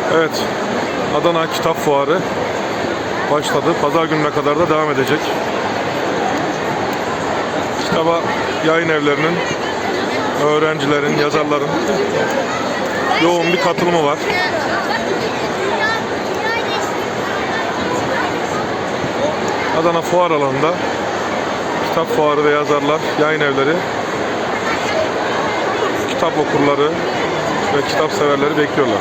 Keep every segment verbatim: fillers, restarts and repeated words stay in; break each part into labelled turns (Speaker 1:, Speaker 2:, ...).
Speaker 1: Evet, Adana Kitap Fuarı başladı. Pazar gününe kadar da devam edecek. Kitaba yayın evlerinin, öğrencilerin, yazarların yoğun bir katılımı var. Adana Fuar alanında kitap fuarı ve yazarlar, yayın evleri, kitap okurları ve kitap severleri bekliyorlar.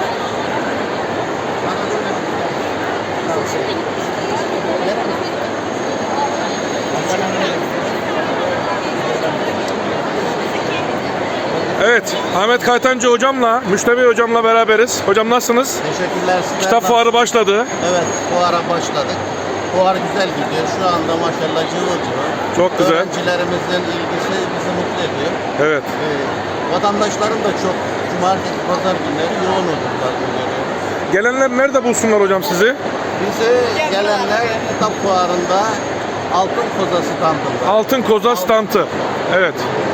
Speaker 1: Evet, Ahmet Kaytancı hocamla, Müştebey hocamla beraberiz. Hocam nasılsınız?
Speaker 2: Teşekkürler.
Speaker 1: Kitap fuarı başladı.
Speaker 2: Evet, fuara başladık. Fuar güzel gidiyor. Şu anda maşallah cıvıl cıvıl.
Speaker 1: Çok güzel.
Speaker 2: Öğrencilerimizin ilgisi bizi mutlu ediyor.
Speaker 1: Evet.
Speaker 2: Ee, vatandaşların da çok cumartesi, pazar günleri yoğun olurlar.
Speaker 1: Gelenler nerede bulsunlar hocam sizi?
Speaker 2: Bize gelenler kitap fuarında Altın Koza standında.
Speaker 1: Altın Koza standı. Evet.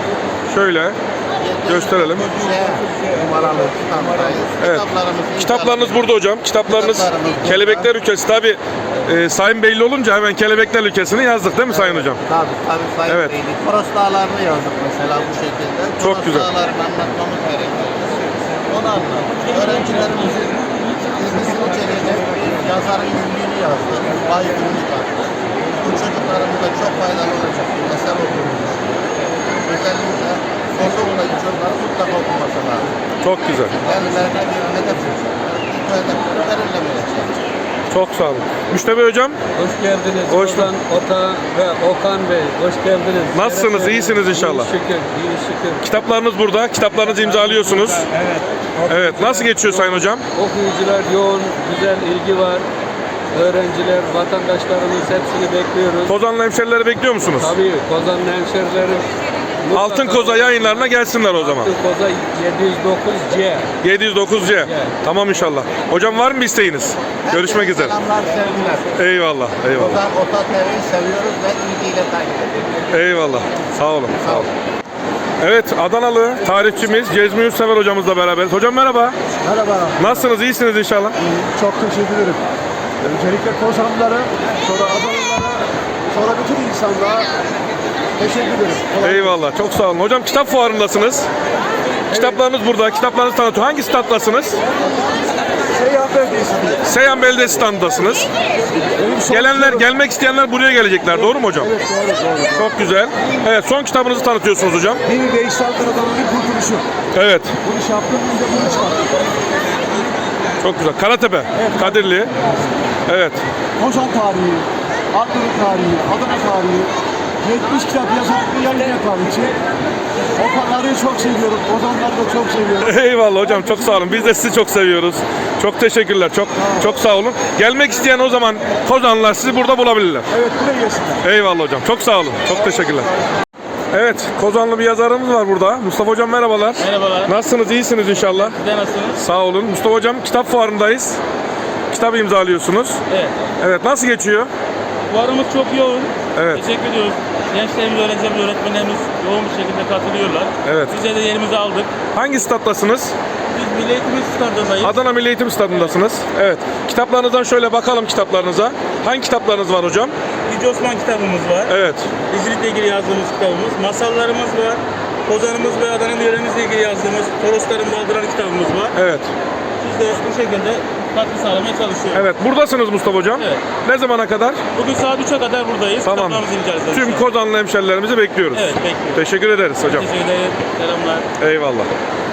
Speaker 1: Şöyle gösterelim.
Speaker 2: Numaralı standdayız.
Speaker 1: Evet.
Speaker 2: Kitaplarımız,
Speaker 1: Kitaplarınız burada hocam. Kitaplarınız
Speaker 2: Kitaplarımız burada.
Speaker 1: Kelebekler Ülkesi. Tabi e, Sayın Beyli olunca hemen Kelebekler Ülkesi'ni yazdık değil mi Sayın hocam?
Speaker 2: Tabii tabii Sayın
Speaker 1: Evet.
Speaker 2: Beylik. Toros Dağları'nı yazdık mesela bu şekilde.
Speaker 1: Çok
Speaker 2: Toros
Speaker 1: güzel.
Speaker 2: Dağları'nı anlatmamız gerekiyor. Onu anlattık. Öğrencilerimizin ilgisini çekecek yazarın ünlüğünü yazdık. Vay ünlü yazdık. Bu çocuklarımıza çok faydalı olacak bir eser olduğunu özellikle ortaokuldaki çocukların mutlaka okuması lazım.
Speaker 1: Çok güzel.
Speaker 2: Kendilerine bir hedef seçecekler. Bu hedefleri belirlemeye çalışacaklar.
Speaker 1: Çok sağ olun. Müştebey hocam.
Speaker 3: Hoş geldiniz.
Speaker 1: Hoş
Speaker 3: Ozan, Ota ve Okan Bey. Hoş geldiniz.
Speaker 1: Nasılsınız?
Speaker 3: Şeref
Speaker 1: İyisiniz
Speaker 3: verdiniz.
Speaker 1: inşallah.
Speaker 3: İyi şükür. İyi şükür.
Speaker 1: Kitaplarınız burada. Kitaplarınızı imzalıyorsunuz.
Speaker 3: Evet.
Speaker 1: Evet. Nasıl geçiyor Sayın hocam?
Speaker 3: Okuyucular yoğun, güzel ilgi var. Öğrenciler, vatandaşlarımız hepsini bekliyoruz.
Speaker 1: Kozanlı hemşerileri bekliyor musunuz?
Speaker 3: Tabii Kozan'ın hemşerilerim mutlaka-
Speaker 1: Altın Koza yayınlarına gelsinler o zaman.
Speaker 3: Altın Koza yedi yüz dokuz C.
Speaker 1: yedi yüz dokuz C. Tamam inşallah. Hocam var mı bir isteğiniz? Görüşmek üzere.
Speaker 2: Selamlar, sevgiler.
Speaker 1: Eyvallah. Eyvallah.
Speaker 2: Ozan Ota T V'yi seviyoruz ve ilgiyle takip ediyoruz.
Speaker 1: Eyvallah. Sağ olun. Sağ olun. Evet, Adanalı tarihçimiz Cezmi Yurtsever hocamızla beraberiz. Hocam merhaba.
Speaker 4: Merhaba.
Speaker 1: Nasılsınız? İyisiniz inşallah.
Speaker 4: Çok teşekkür ederim. Öncelikle Kozanlılara, sonra Adanalılara, sonra bütün insanlara teşekkür ederim. Kolay
Speaker 1: Eyvallah. Çok sağ olun. Hocam kitap fuarındasınız. Kitaplarınız burada. Kitaplarınızı tanıtıyor. Hangi standdasınız?
Speaker 4: Seyhan Belediyesi'nde.
Speaker 1: Seyhan Belediyesi standındasınız.
Speaker 4: Benim son
Speaker 1: Gelenler,
Speaker 4: kitabım-
Speaker 1: gelmek isteyenler buraya gelecekler. Doğru mu hocam?
Speaker 4: Evet doğru doğru.
Speaker 1: Çok güzel. Evet, son kitabınızı tanıtıyorsunuz hocam.
Speaker 4: Bir Veysel Karadan'ın kurtuluşu.
Speaker 1: Evet.
Speaker 4: Bunu iş yaptım, biz de bunu çıkarttık.
Speaker 1: Çok güzel. Karatepe. Kadirli. Evet.
Speaker 4: Kozan tarihi, Ankara tarihi, Adana tarihi, yetmiş kitap yazan bir yayın tarihçi. Okanları çok seviyorum, Kozanları da çok seviyorum.
Speaker 1: Eyvallah hocam. Çok sağ olun. Biz de sizi çok seviyoruz. Çok teşekkürler. Çok çok sağ olun. Gelmek isteyen o zaman Kozanlılar sizi burada bulabilirler.
Speaker 4: Evet, buraya gelsinler.
Speaker 1: Eyvallah hocam. Çok sağ olun. Çok teşekkürler. Evet, Kozanlı bir yazarımız var burada. Mustafa hocam merhabalar.
Speaker 5: Merhabalar.
Speaker 1: Nasılsınız? İyisiniz inşallah.
Speaker 5: Siz de nasılsınız?
Speaker 1: Sağ olun. Mustafa hocam kitap fuarındayız. Kitap imzalıyorsunuz.
Speaker 5: Evet.
Speaker 1: Evet, nasıl geçiyor?
Speaker 5: Fuarımız çok yoğun.
Speaker 1: Evet.
Speaker 5: Teşekkür ediyoruz. Gençlerimiz, öğrencilerimiz, öğretmenlerimiz yoğun bir şekilde katılıyorlar.
Speaker 1: Evet.
Speaker 5: Bize de yerimizi aldık.
Speaker 1: Hangi stat'tasınız?
Speaker 5: Biz Milli Eğitim Stadındayız.
Speaker 1: Adana Milli Eğitim Stadı'ndasınız. Evet. Kitaplarınızdan şöyle bakalım kitaplarınıza. Hangi kitaplarınız var hocam?
Speaker 5: Yüce Osman kitabımız var.
Speaker 1: Evet.
Speaker 5: Dizicilikle ilgili yazdığımız kitabımız. Masallarımız var. Kozanımız ve Adana yöremizle ilgili yazdığımız Torosların Baldıran kitabımız var.
Speaker 1: Evet.
Speaker 5: Biz de bu şekilde katkı sağlamaya çalışıyoruz.
Speaker 1: Evet. Buradasınız Mustafa hocam.
Speaker 5: Evet.
Speaker 1: Ne zamana kadar?
Speaker 5: Bugün saat üçe kadar buradayız.
Speaker 1: Tamam.
Speaker 5: Kitaplarımızı imzalayacağız.
Speaker 1: Tüm Kozanlı hemşerilerimizi bekliyoruz.
Speaker 5: Evet, bekliyoruz.
Speaker 1: Teşekkür ederiz hocam.
Speaker 5: Teşekkür ederim. Selamlar.
Speaker 1: Eyvallah.